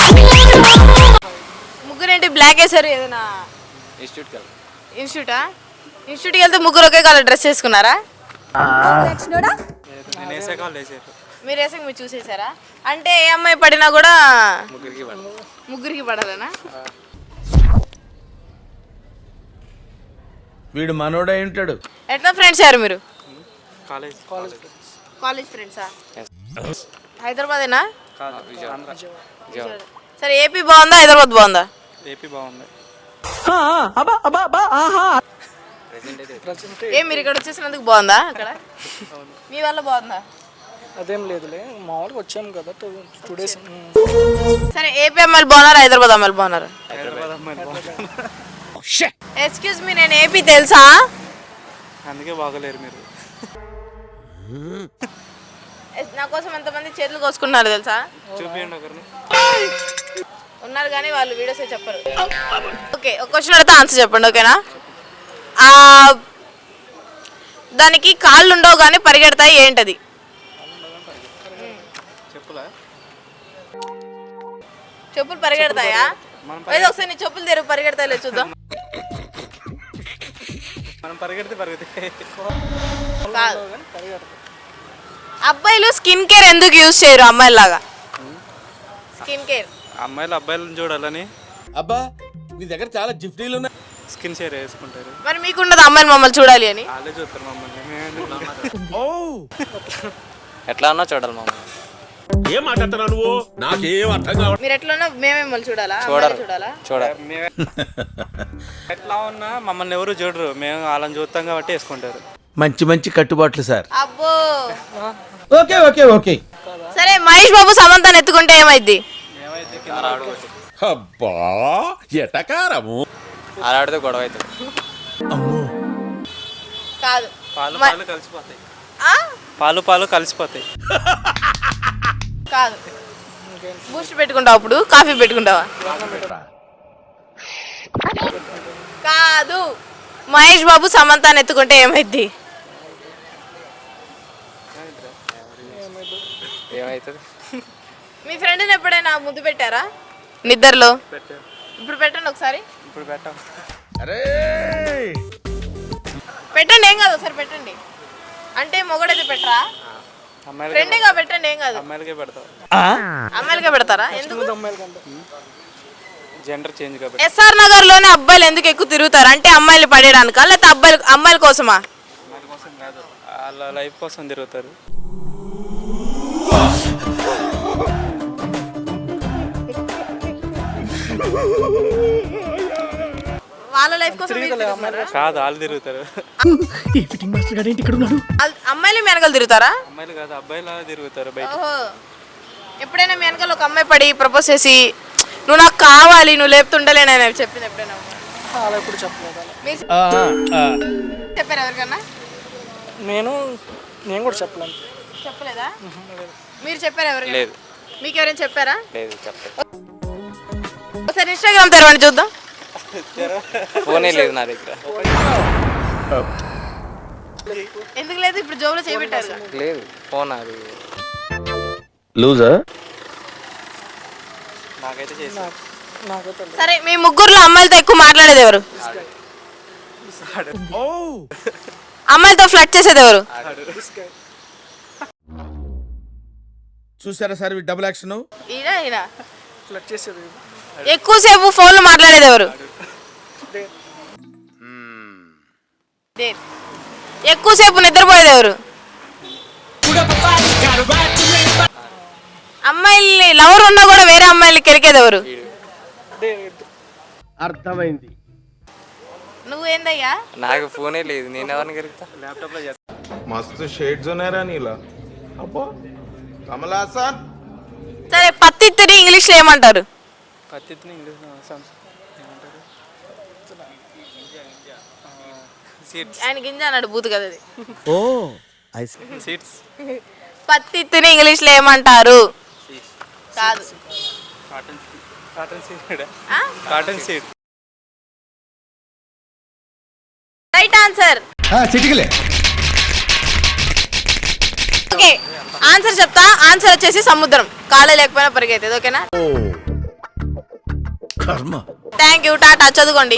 ముగ్గురేంటి black వేసారు? ఏదైనా ఇన్స్టిట్యూట్కి వెళ్తే ముగ్గురు ఒకే కలర్ డ్రెస్ వేసుకున్నారా? మీరు వేసాక మీరు చూసేసారా? అంటే ఏ అమ్మాయి పడినా కూడా ముగ్గురికి పడాలనా? వీడు మనోడై ఉంటాడు. ఎట్లా ఫ్రెండ్స్ అయ్యారు మీరు? కాలేజ్ ఫ్రెండ్సా? హైదరాబాదేనా? సరే, ఏపీ బాగుందా హైదరాబాద్ బాగుందా? ఏపీ బాగుంది. మీరు ఇక్కడ వచ్చేసినందుకు బాగుందా? అక్కడ మీ వల్ల బాగుందా? అదేం లేదులే, మామూలుగా వచ్చాము కదా 2 days. సరే, ఏపీ అమ్మాయిలు బాగున్నారా హైదరాబాద్ అమ్మాయిలు బాగున్నారా? ఎక్స్క్యూజ్ మీ, నేను ఏపీ తెలుసా? అందుకే బాగలేరు మీరు. నా కోసం ఎంతమంది చేతులు కోసుకున్నారు తెలుసా? చూపియండి ఒకరిని. ఉన్నారు కానీ వాళ్ళు వీడియోస్ చెప్పరు. ఓకే, ఒక క్వశ్చన్ అడిగితే ఆన్సర్ చెప్పండి, ఓకేనా? దానికి కాళ్ళు ఉండవు కానీ పరిగెడతాయి, ఏంటది? చెప్పులు పరిగెడతాయా? ఏదో ఒకసారి నీ చెప్పులు తెరువు, పరిగెడతాయి చూద్దాం. మనం పరిగెడితే అబ్బాయిలు స్కిన్ కేర్ ఎందుకు యూజ్ చేయరు అమ్మాయిలాగా? స్కిన్ కేర్ అమ్మాయిలు అబ్బాయిలను చూడాలని. అబ్బా, మీ దగ్గర చాలా జిఫ్టీలు ఉన్నాయి. స్కిన్ షేర్ వేసుకుంటారు. మరి మీకుండదు అమ్మాయిలు మమ్మల్ని చూడాలి అని? వాళ్ళే చూస్తారు మమ్మల్ని. ఎట్లా అన్నా చూడాలి మమ్మల్ని. ఏం మాట్లాడుతున్నావు నువ్వు? నాకేం అర్థం కావట్లేదు. మీరు ఎట్లా ఉన్నా మేమే మిమ్మల్ని చూడాలా? చూడాలి. ఎట్లా ఉన్నా మమ్మల్ని ఎవరు చూడరు, మేము వాళ్ళని చూస్తాం కాబట్టి వేసుకుంటారు. మంచి మంచి కట్టుబాట్లు సార్. అబ్బో, ఓకే ఓకే ఓకే. సరే, మహేష్ బాబు సమంతాన్ని ఎత్తుకుంటే ఏమైద్ది? అబ్బా, ఎటకారము. ఆడితే గొడవ అవుతుంది. కాదు, పాలు కలిసిపోతాయి. పాలు కలిసిపోతాయి. కాదు, బూస్ట్ పెట్టుకుంటావా? అప్పుడు కాఫీ పెట్టుకుంటావా? కాదు, మహేష్ బాబు సమంతాన్ని ఎత్తుకుంటే ఏమైద్ది? ఏమవుతుంది? మీ ఫ్రెండ్ని ఎప్పుడైనా ముద్దు పెట్టారా నిద్రలో? ఇప్పుడు పెట్టండి ఒకసారి. ఇప్పుడు పెట్టాం. అరే పెట్టండి, ఏం కాదు, ఒకసారి పెట్టండి. అంటే మొగడైతే పెట్టరా? ఫ్రెండ్గా పెట్టండి, ఏం కాదు. అమ్మాయిలకే పెడతాం. అమ్మాయిలకే పెడతారా? ఎందుకు? జెండర్ చేంజ్ కాబట్టి. ఎస్ఆర్ నగర్ లోనే అబ్బాయిలు ఎందుకు ఎక్కువ తిరుగుతారు? అంటే అమ్మాయిలు పడేయడానికా, లేకపోతే అమ్మాయిల కోసమా? అమ్మాయిల కోసం కాదు, వాళ్ళ లైఫ్ కోసం తిరుగుతారు. వాళ్ళ లైఫ్ కోసం కాదు, వాళ్ళు తిరుగుతారు. అమ్మాయిలు మీ వెనకాల తిరుగుతారా? అమ్మాయిలు కాదు, అబ్బాయిలా తిరుగుతారు బయట. ఓహో, ఎప్పుడైనా మీ వెనకాల ఒక అమ్మాయి పడి ప్రపోజ్ చేసి నువ్వు నాకు కావాలి, నువ్వు లేపుతుండలేనని చెప్పింది ఎప్పుడైనా? అలా ఎప్పుడు చెప్పలేదు. చెప్పారు ఎవరికన్నా? నేను కూడా చెప్పలేను. చెప్పలేదా? మీరు చెప్పారా ఎవరికైనా? లేదు. మీకు ఎవరైనా చెప్పారా? లేదు, చెప్పలేదు. ఒకసారి ఇన్స్టాగ్రామ్ తెరవండి చూద్దాం. ఫోనే లేదు నా దగ్గర. ఎందుకు లేదు? ఇప్పుడు జోబులో చేపెట్టారు. లేదు ఫోన్. అది లూజా? నాకైతే చేసి. సరే, మీ ముగ్గురులో అమ్మాయిలతో ఎక్కువ మాట్లాడేది ఎవరు? అమ్మాయిలతో ఫ్లర్ట్ చేసేది ఎవరు? చూసారా సార్ డబుల్ యాక్షన్? ఫ్లర్ట్ చేసేది. ఎక్కువసేపు ఫోన్లో మాట్లాడేది ఎవరు? ఎక్కువసేపు నిద్రపోయేది ఎవరు? అమ్మాయిల్ని లవర్ ఉన్నా కూడా వేరే అమ్మాయిల్ని కెరికేది ఎవరు? అర్థమైంది. నువ్వేందయ్యా? నాకు ఫోనే లేదు, నేను ఎవరిని కలుగుతా? ల్యాప్టాప్ లో చేస్తా. మస్తు షేడ్స్ ఉన్నాయరా నీలా. అబ్బో, కమల్ హాసన్. సరే, పత్తిత్తిని ఇంగ్లీష్ లో ఏమంటారు? పత్తిని ఇంగ్లీష్ ఏమంటారు? ఆయన గింజ అన్నాడు, బూతు కదా అది. ఓ, సీడ్స్. పత్తిత్తిని ఇంగ్లీష్ లో ఏమంటారు? కాదు, cotton seed. Right answer. Okay, answer చెప్తా. ఆన్సర్ వచ్చేసి సముద్రం. కాళ్ళే లేకపోయినా పరిగెత్తేది, ఓకేనా? థ్యాంక్ యూ, టాటా, చదువుకోండి.